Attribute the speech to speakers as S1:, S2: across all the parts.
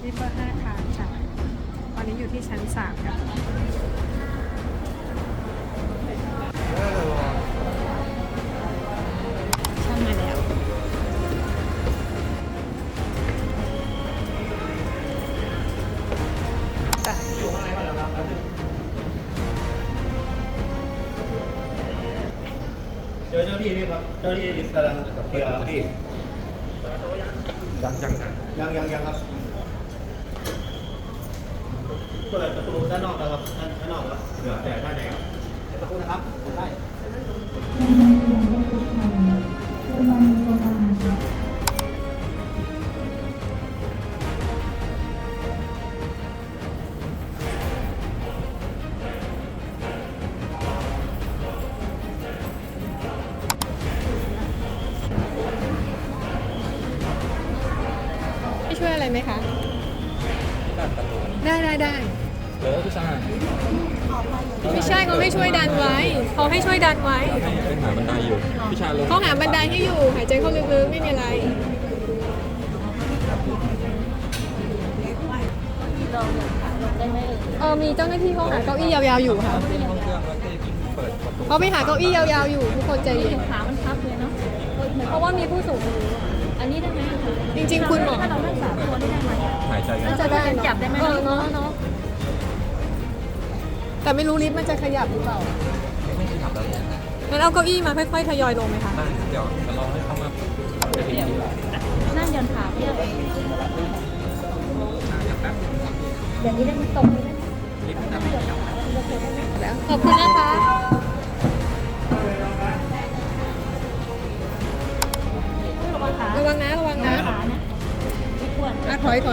S1: ริเวอร์5 ทางค่ะตอนนี้อยู่ที่ชั้น3ค่ะช่างมาแล้ว
S2: เจอเจ้าที่นี่ครับเจ้าที่กำลังเคลียร์พี่ยังครับเปิดประตูด้านนอกนะครับด้านนอกครับเหลือแต่ด้านในครับประตูนะครับได้
S1: ช่วยอะไรไหมคะ ได้
S3: พี่ชาย
S1: ไม่ใช่เขาให้ช่วยดันไว้เขาให้ช่วยดันไว้
S3: เป็นหาบันไดอยู่พี่ชายลง
S1: เขาหาบันไดให้อยู่หายใจเข้าลึกๆไม่มีอะไรมีเจ้าหน้าที่เขาหาเก้าอี้ยาวๆอยู่ค่ะ
S3: ขึ้นห้องเครื่องแล้วก็เปิดประตู
S1: เขาไปหาเก้าอี้ยาวๆอยู่ทุกคนใจเย็น
S4: ขามันพับเลยเนาะ
S1: เพราะว่ามีผู้สูงอายุ
S4: อันนี้ได้ไหมคะ
S1: จริงๆคุณหมอ
S4: ถ้าเรารักษาตัวได้ไหม
S3: หายใจกัน
S1: น่าจะได้
S4: จับได้ไหม
S1: เนาะแต่ไม่รู้ลิฟต์มันจะขยับหรือเปล่า
S3: ไม่ได้ขับแล้ว
S1: งั้นเอาเก้าอี้มาค่อยๆทยอยลงไหมคะ
S3: ได้เดี๋ยวจะรอให้เข้ามาจะถึงที่แล้ว
S4: นั่งยันขาเพียบ
S3: อย่างแป๊บ
S4: เดี๋ยวนี้ได้มันตรงเลยนะ
S3: ลิฟต์นะ
S1: แล้วขอบคุณนะคะระวังนะระวังนะ
S4: ขานะไม่ควร
S1: ถอย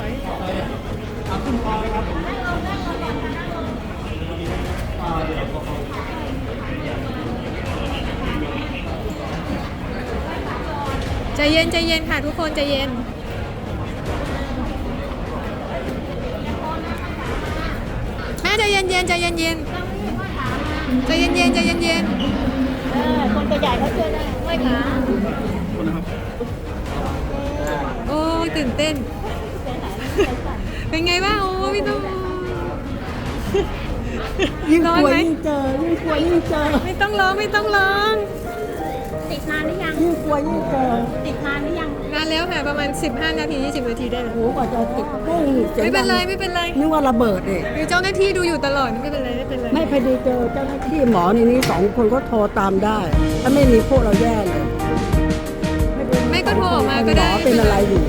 S1: ใจเย็นค่ะทุกคนใจเย็นแม่ใจเย็นใจเย็น
S4: คนตัวใหญ่เขาช่วยได้ไม่ขา
S1: โอ้ยตื่นเต้นเป็นไงบ้างโอ้พี่ตุ้ม
S5: ยิ่ง
S1: ร้
S5: ก
S1: อน
S5: ลัว
S1: ไหม
S5: ยิ่งเจอยิ่งกลัวยิ่งเจอ
S1: ไม่ต้องร้อง
S4: ติดนานหรือยัง
S5: ยิ่งกลัวยิ่งเจอ
S4: ติดนานหรือยัง
S1: นานแล้วค่ะประมาณ15 นาที20 นาทีได้แล้ว
S5: โอ้กว่าจะติดปุ้งเสียง
S1: ไม่เป็น
S5: ดั
S1: ไรง ไม่เป็นไร
S5: นึกว่าระเบิดเอง
S1: มีเจ้าหน้าที่ดูอยู่ตลอดไม่เป็นไร
S5: ไม่พอดีเจอเจ้าหน้าที่หมอในนี้2 คนก็โทรตามได้ ถ้าไม่มีพวกเราแย่เลย
S1: ไม่ก็โทรออกมาก็ได้
S5: หมอเป็นอะไรอยู่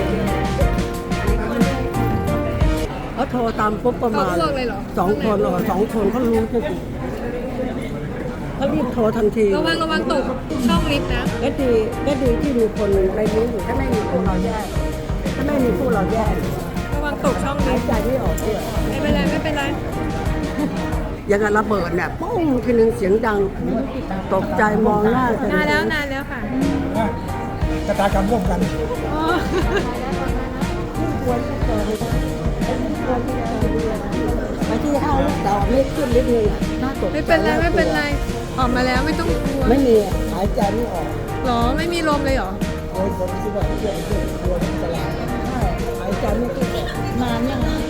S5: เขาโทรตามปุ๊บประมาณ
S1: เขาอ้วกเลยเหรอ
S5: 2 คน2 คนเขารู้ทุกเขารีบโทรทันที
S1: ระวังตกช่องลิฟต์นะ
S5: ก็ดีที่มีคนในนี้อยู่ถ้าไม่มีพวกเราแย่ถ้าไม่มีพวกเราแย่
S1: ระวังตกช่องลิ
S5: หาย
S1: ฟต์
S5: ใจไม่ออกด้วย
S1: ไม่เป็นไร
S5: อย่างกับระเบิดเนี่ยปุ้งทีนึงเสียงดังตกใจมองหน้ากัน
S1: นานแล้วค่ะ
S2: ชะตากรรมร่วมกัน
S1: อ๋อ
S5: ไปที่ห้างแต่ไม่ขึ้นนิดนึงอ่ะน่าตกใจ
S1: ไม่เป็นไรออกมาแล้วไม่ต้องกลัว
S5: ไม่มีอะหายใจไม่ออก
S1: หรอไม่มีลมเลยเหรอ
S5: เลยผมคิดว่าเรื่องกลัวมันจะลายใช่หายใจไม่ขึ้นนานยังไง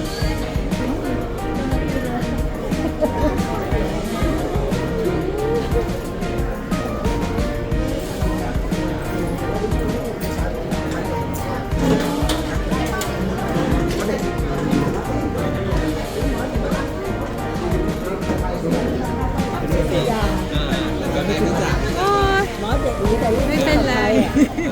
S1: โอ้ย
S5: หมอเด็กหนีแต่
S1: ไม่เป็นไร